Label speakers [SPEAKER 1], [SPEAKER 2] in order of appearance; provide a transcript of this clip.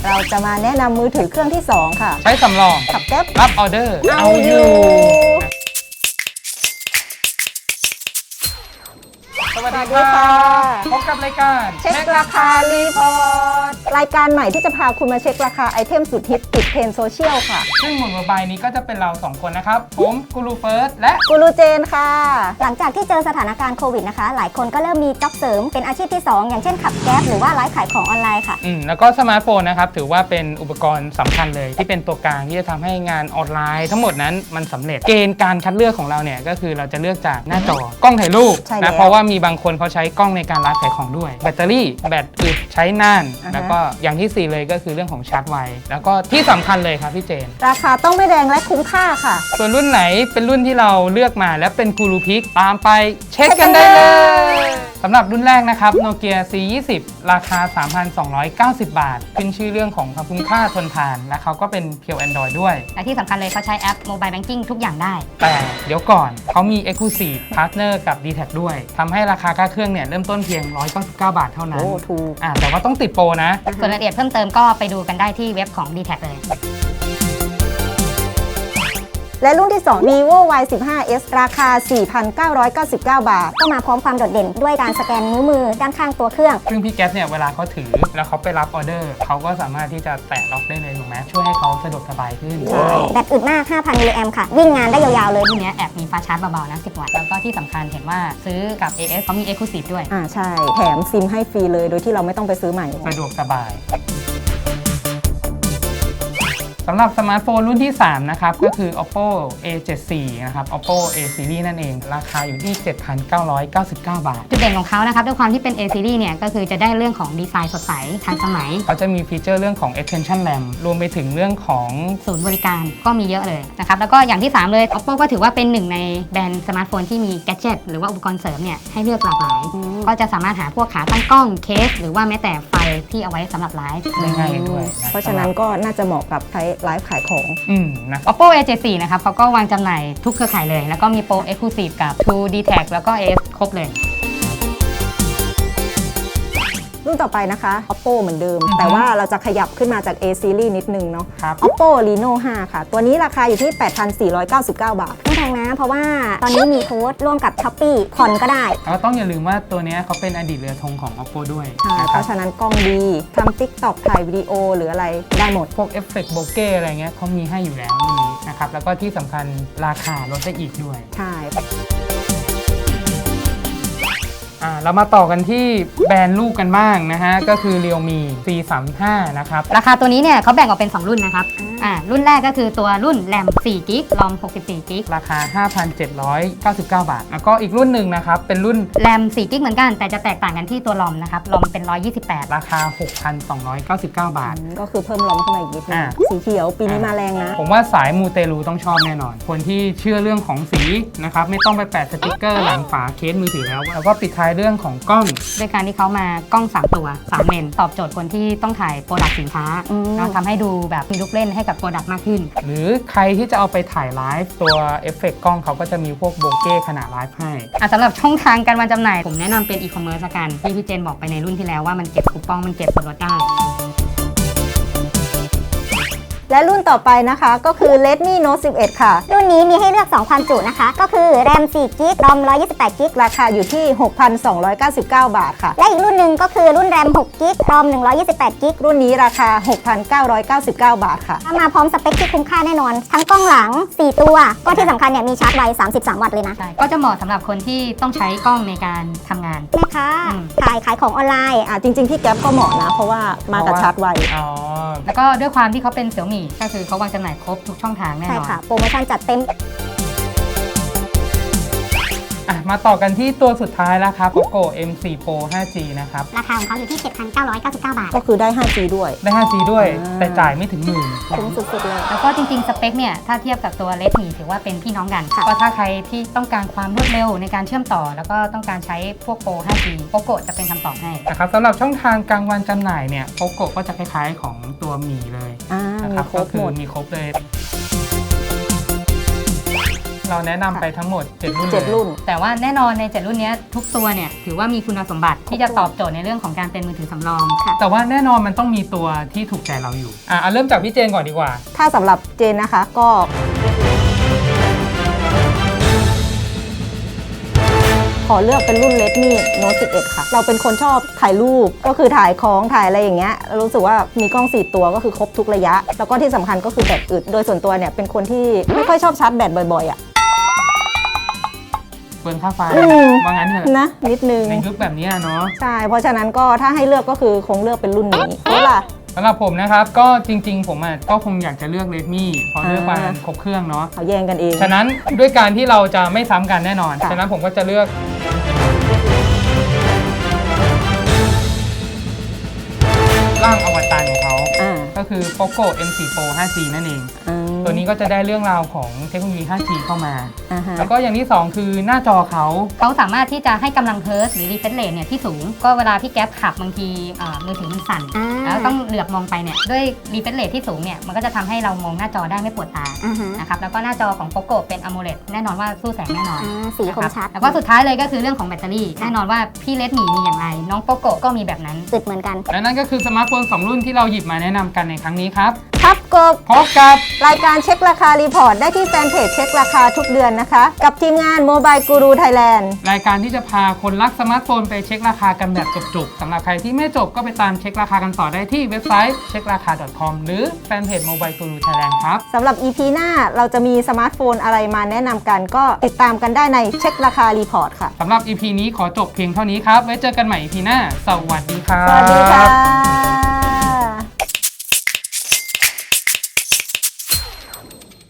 [SPEAKER 1] เราจะมาแนะนำมือถือเครื่องที่ 2 ค่ะ
[SPEAKER 2] ใช้สำรอง
[SPEAKER 1] ขับแก๊ป
[SPEAKER 2] รับออเดอร์
[SPEAKER 1] เอาอยู่
[SPEAKER 2] สวัสดี
[SPEAKER 1] สวัสดี
[SPEAKER 2] ค่ะ
[SPEAKER 1] ค่ะ
[SPEAKER 2] พบกับรายการ
[SPEAKER 1] เช็คราคารีพอร์ตรายการใหม่ที่จะพาคุณมาเช็คราคาไอเทมสุดฮิตติดเทรนด์โซเชียลค่ะ
[SPEAKER 2] ซึ่งหมุนโมบายนี้ก็จะเป็นเรา 2 คนนะครับ ผมกูรูเฟิร์สและ
[SPEAKER 1] กูรูเจนค่ะ
[SPEAKER 3] หลังจากที่เจอสถานการณ์โควิดนะคะ หลายคนก็เริ่มมีจ็อบเสริมเป็นอาชีพที่ 2 อย่างเช่นขับแก๊ปหรือว่าไลฟ์ขายของออนไลน์ค่ะ
[SPEAKER 2] แล้วก็สมาร์ทโฟนนะครับ ถือว่าเป็นอุปกรณ์สำคัญเลย ที่เป็นตัวกลางที่จะทำให้งานออนไลน์ทั้งหมดนั้นมันสำเร็จเกณฑ์การคัดเลือกของเราเนี่ยก็คือเราจะเลือกจากหน้าจอกล้องถ่ายรูป
[SPEAKER 1] ใช่แล้ว
[SPEAKER 2] นะเพราะว่ามีบางคนเขาใช้กล้องในการไลฟ์ขายของด้วย แบตเตอรี่แบตอึดใช้นาน แล้วก็อย่างที่ 4 เลยก็คือเรื่องของชาร์จไวแล้วก็ที่สำคัญเลยครับพี่เจน
[SPEAKER 1] ราคาต้องไม่แรงและคุ้มค่าค่ะ
[SPEAKER 2] ส่วนรุ่นไหนเป็นรุ่นที่เราเลือกมาและเป็นกูรูพิกตามไปเช็คกันได้เลยสำหรับรุ่นแรกนะครับ Nokia C20 ราคา 3,290 บาท ขึ้นชื่อเรื่องของความคุ้มค่าทนทาน และเขาก็เป็นเพียว Android ด้วย
[SPEAKER 3] และที่สำคัญเลยเขาใช้แอป Mobile Banking ทุกอย่างได้
[SPEAKER 2] แต่เดี๋ยวก่อนเขามี Exclusive Partner กับ DTAC ด้วยทำให้ราคาค่าเครื่องเนี่ยเริ่มต้นเพียง 199 บาทเท่านั้น
[SPEAKER 1] โอ้ถูก
[SPEAKER 2] แต่ว่าต้องติดโปรนะ
[SPEAKER 3] ส่วนรายละเอียดเพิ่มเติมก็ไปดูกันได้ที่เว็บของ DTAC เลย
[SPEAKER 1] และรุ่นที่ 2 vivo Y15s ราคา 4,999 บาท
[SPEAKER 3] ก็มาพร้อมความโดดเด่นด้วยการสแกนนิ้วมือด้านข้างตัวเครื่อง
[SPEAKER 2] ซึ่งพี่แก๊สเนี่ยเวลาเขาถือแล้วเขาไปรับออเดอร์เขาก็สามารถที่จะแตะล็อกได้เลยถูกไหมช่วยให้เขาสะดวกสบายขึ้น
[SPEAKER 3] แบตอึดมาก 5,000 มิลลิแอมป์ค่ะ วิ่งงานได้ยาวๆเลยรุ่นนี้แอบมีฟาสต์ชาร์จเบาๆนะ 10 วัตต์ แล้วก็ที่สำคัญเห็นว่าซื้อกับ AS เขามี Exclusive ด้วย
[SPEAKER 1] ใช่ แถมซิมให้ฟรีเลยโดยที่เราไม่ต้องไปซื้อใหม่
[SPEAKER 2] สะดวกสบายสำหรับสมาร์ทโฟนรุ่นที่ 3 นะครับ ก็คือ Oppo A74 นะครับ Oppo A Series นั่นเอง ราคาอยู่ที่ 7,999 บาท
[SPEAKER 3] จุดเด่นของเขานะครับด้วยความที่เป็น A Series เนี่ยก็คือจะได้เรื่องของดีไซน์สดใสทันสมัย
[SPEAKER 2] เขาจะมีฟีเจอร์เรื่องของ extension RAM รวมไปถึงเรื่องของ
[SPEAKER 3] ศูนย์บริการก็มีเยอะเลยนะครับแล้วก็อย่างที่ 3 เลย Oppo ก็ถือว่าเป็นหนึ่งในแบรนด์สมาร์ทโฟนที่มีแกดเจิตหรือว่าอุปกรณ์เสริมเนี่ยให้เลือกหลากหลาย ก็จะสามารถหาพวกขาตั้งกล้องเคส หรือว่าแม้แต่ไฟที่เอาไว้สำหรับไลฟ์
[SPEAKER 2] ได้ง่ายด้วย
[SPEAKER 1] เพราะฉะนั้นก็น่าจะเหมาะกับใช้ไลฟ์ขายของ
[SPEAKER 2] นะ
[SPEAKER 3] Oppo A74 นะครับเขาก็วางจำหน่ายทุกเครือข่ายเลย แล้วก็มีโปร Exclusive กับ True DTAC แล้วก็ AS ครบเลย
[SPEAKER 1] รุ่นต่อไปนะคะ Oppo เหมือนเดิม แต่ว่าเราจะขยับขึ้นมาจาก A series นิดนึงเนาะ
[SPEAKER 2] ครับ
[SPEAKER 1] Oppo Reno 5 ค่ะ ตัวนี้ราคาอยู่ที่ 8,499 บาท
[SPEAKER 3] ไม่แพงนะ เพราะว่าตอนนี้มีโค้ดร่วมกับ Shopee ผ่อนก็ได้
[SPEAKER 2] แล้วต้องอย่าลืมว่าตัวนี้เขาเป็นอดีตเรือธงของ Oppo ด้วย
[SPEAKER 1] ใช่
[SPEAKER 2] นะ
[SPEAKER 1] เพ
[SPEAKER 2] ครับ
[SPEAKER 1] ราะฉะนั้นกล้องดีทำ TikTok ถ่ายวิดีโอหรืออะไรได้หมด
[SPEAKER 2] พวกเอฟเฟกต์โบเก้อะไรเงี้ยเขามีให้อยู่แล้วนี่นะครับ แล้วก็ที่สำคัญราคาลดได้อีกด้วย
[SPEAKER 1] ใช่
[SPEAKER 2] เรามาต่อกันที่แบรนด์ลูกกันบ้างนะฮะ ก็คือ Realme C35 นะครับ
[SPEAKER 3] ราคาตัวนี้เนี่ยเขาแบ่งออกเป็น 2 รุ่นนะครับ รุ่นแรกก็คือตัวรุ่น RAM 4 g b ROM 64 g b
[SPEAKER 2] ราคา 5,799 บาท แล้วก็อีกรุ่นหนึ่งนะครับ เป็นรุ่น
[SPEAKER 3] RAM 4 g b เหมือนกัน แต่จะแตกต่างกันที่ตัว ROM นะครับ ROM เป็น 128
[SPEAKER 2] ราคา 6,299 บาท
[SPEAKER 1] ก็คือเพิ่มล้อมขึ้นมาอีกนิดนึง
[SPEAKER 2] อ่า
[SPEAKER 1] สีเขียวปีนี้มาแรงนะ
[SPEAKER 2] ผมว่าสายมูเตลูต้องชอบแน่นอน คนที่เชื่อเรื่องของสีนะครับ ไม่ต้องไปแปะสติกเกอร์หลังฝาเคสมือถือแล้วก็ปิดท้ายเรื่องของกล้อง
[SPEAKER 3] ด้วยการที่เขามากล้อง 3 ตัว 3 เลนตอบโจทย์คนที่ต้องถ่ายโปรดักต์สินค้าแล้วทำให้ดูแบบมีลูกเล่นให้กับโปรดักต์มากขึ้น
[SPEAKER 2] หรือใครที่จะเอาไปถ่ายไลฟ์ตัวเอฟเฟกต์กล้องเขาก็จะมีพวกโบเก้ขนาดไลฟ์ให้
[SPEAKER 3] สำหรับช่องทางการวางจำหน่าย ผมแนะนำเป็นอีคอมเมิร์ซละกันที่พี่เจนบอกไปในรุ่นที่แล้วว่ามันเก็บคูปองมันเก็บส่วนลดได้
[SPEAKER 1] และรุ่นต่อไปนะคะก็คือ Redmi Note 11 ค่ะ
[SPEAKER 3] รุ่นนี้มีให้เลือก 2 ความจุนะคะ ก็คือ RAM 4 g b ROM 128 g b
[SPEAKER 1] ราคาอยู่ที่ 6,299 บาทค่ะ
[SPEAKER 3] และอีกรุ่นหนึ่งก็คือรุ่น RAM 6 g b ROM 128 g b
[SPEAKER 1] รุ่นนี้ราคา 6,999 บาทค่ะ
[SPEAKER 3] มาพร้อมสเปคที่คุ้มค่าแน่นอน ทั้งกล้องหลัง 4 ตัว ก็ที่สำคัญเนี่ยมีชาร์จไว 33 วัตต์เลยนะ ใช่ ก็จะเหมาะสำหรับคนที่ต้องใช้กล้องในการทำงานแม่ค้าขายของออนไลน์
[SPEAKER 1] จริงๆพี่แก๊ปก็เหมาะนะ เพราะว่ามากับชาร์จไว
[SPEAKER 3] แล้วก็ด้วยความที่เขาเป็นเสี่ยวมี่ก็คือเขาวางจำหน่ายครบทุกช่องทางแน่นอน
[SPEAKER 1] ใช่ค่ะ โปรโมชั่นจัดเต็ม
[SPEAKER 2] มาต่อกันที่ตัวสุดท้ายแล้วครับ Poco M4 Pro 5G นะครับ
[SPEAKER 3] ราคาของเขาอยู่ที่ 7,999 บาท
[SPEAKER 1] ก็คือได้ 5G ด้วย
[SPEAKER 2] ได้ 5G ด้วย แต่จ่ายไม่ถึงหมื่น
[SPEAKER 1] คุ้มสุดๆเลย
[SPEAKER 3] แล้วก็จริงๆ สเปคเนี่ย ถ้าเทียบกับตัว Redmi ถือว่าเป็นพี่น้องกันก็ถ้าใครที่ต้องการความรวดเร็วในการเชื่อมต่อ แล้วก็ต้องการใช้พวกโปร 5G Poco จะเป็นคำตอบให้
[SPEAKER 2] นะครับสำหรับช่องทางกลางวันจำหน่ายเนี่ย Poco ก็จะคล้ายๆของตัวมีเลยนะค
[SPEAKER 1] มี
[SPEAKER 2] รับ
[SPEAKER 1] คร
[SPEAKER 2] ก็
[SPEAKER 1] บ
[SPEAKER 2] คื
[SPEAKER 1] หม
[SPEAKER 2] อ
[SPEAKER 1] ด
[SPEAKER 2] มีครบเลยเราแนะนำไปทั้งหมด 7 รุ่น
[SPEAKER 1] 7 รุ่น
[SPEAKER 3] แต่ว่าแน่นอนใน 7 รุ่นเนี้ยทุกตัวเนี่ยถือว่ามีคุณสมบัติที่จะตอบโจทย์ในเรื่องของการเป็นมือถือสำรอง
[SPEAKER 2] แต่ว่าแน่นอนมันต้องมีตัวที่ถูกใจเราอยู่เอาเริ่มจากพี่เจนก่อนดีกว่า
[SPEAKER 1] ถ้าสำหรับเจนนะคะก็ขอเลือกเป็นรุ่น Redmi Note 11 ค่ะ เราเป็นคนชอบถ่ายรูปก็คือถ่ายของถ่ายอะไรอย่างเงี้ยรู้สึกว่ามีกล้อง 4 ตัวก็คือครบทุกระยะ แล้วก็ที่สำคัญก็คือแบตอึดโดยส่วนตัวเนี่ยเป็นคนที่ไม่ค่อยชอบชาร์จแบตบ่อยๆอ่ะ
[SPEAKER 2] เปลืองค่าไฟ
[SPEAKER 1] อืม
[SPEAKER 2] ว่างั้นเถอะ
[SPEAKER 1] นะนิดนึง
[SPEAKER 2] ในยุคแบบนี้เนาะ
[SPEAKER 1] ใช่เพราะฉะนั้นก็ถ้าให้เลือกก็คือคงเลือกเป็นรุ่นนี้เพราะล่ะ
[SPEAKER 2] สำหรับผมนะครับก็จริงๆผมก็คงอยากจะเลือก Redmi เพราะเลือกมาครบเครื่องเนาะ
[SPEAKER 1] เขาแย่งกันเอง
[SPEAKER 2] ฉะนั้นด้วยการที่เราจะไม่ซ้ำกันแน่นอน
[SPEAKER 1] ค่ะ
[SPEAKER 2] ฉะนั้นผมก็จะเลือกร่างอวตารของเขา
[SPEAKER 1] อ่า
[SPEAKER 2] ก็คือ Poco M4 Pro 5G นั่นเอง ตัวนี้ก็จะได้เรื่องราวของเทคโนโลยี 5G เข้ามา
[SPEAKER 1] อ่าฮะ
[SPEAKER 2] แล้วก็อย่างที่ 2 คือหน้าจอเขา
[SPEAKER 3] เขาสามารถที่จะให้กำลังเฮิร์ตหรือรีเฟรชเรทเนี่ยที่สูงก็เวลาพี่แก๊ปขับบางทีมือถือมันสั่น แล้วต้องเหลือบมองไปเนี่ยด้วยรีเฟรชเรทที่สูงเนี่ยมันก็จะทำให้เรามองหน้าจอได้ไม่ปวดตานะครับแล้วก็หน้าจอของ Poco เป็น AMOLED แน่นอนว่าสู้แสงแน่นอน
[SPEAKER 4] สีคมชัด
[SPEAKER 3] แล้วก็สุดท้ายเลยก็คือเรื่องของแบตเตอรี่แน่นอนว่าพี่เลดหมีมีอย่างไรน้อง Poco ก็มีแบบนั้น
[SPEAKER 4] อึดเหมือนกัน
[SPEAKER 2] และนั่นก็คือสมาร์ทโฟน 2 รุ่นที่เราหยิบมาแนะนำกันในครั้งนี้ครับ
[SPEAKER 1] ครับกบ
[SPEAKER 2] พบกับ
[SPEAKER 1] รายการเช็คราคารีพอร์ตได้ที่แฟนเพจเช็คราคาทุกเดือนนะคะ กับทีมงาน Mobile Guru Thailand
[SPEAKER 2] รายการที่จะพาคนรักสมาร์ทโฟนไปเช็คราคากันแบบจบๆสำหรับใครที่ไม่จบก็ไปตามเช็คราคากันต่อได้ที่เว็บไซต์ checkraka.com หรือแฟนเพจ Mobile Guru Thailand ครับ
[SPEAKER 1] สำหรับ EP หน้าเราจะมีสมาร์ทโฟนอะไรมาแนะนำกันก็ติดตามกันได้ในเช็คราคารีพอร์ตค่ะ
[SPEAKER 2] สำหรับ EP นี้ขอจบเพียงเท่านี้ครับ ไว้เจอกันใหม่ EP หน้า สวัสดีครับ
[SPEAKER 1] สวัสดีค่ะ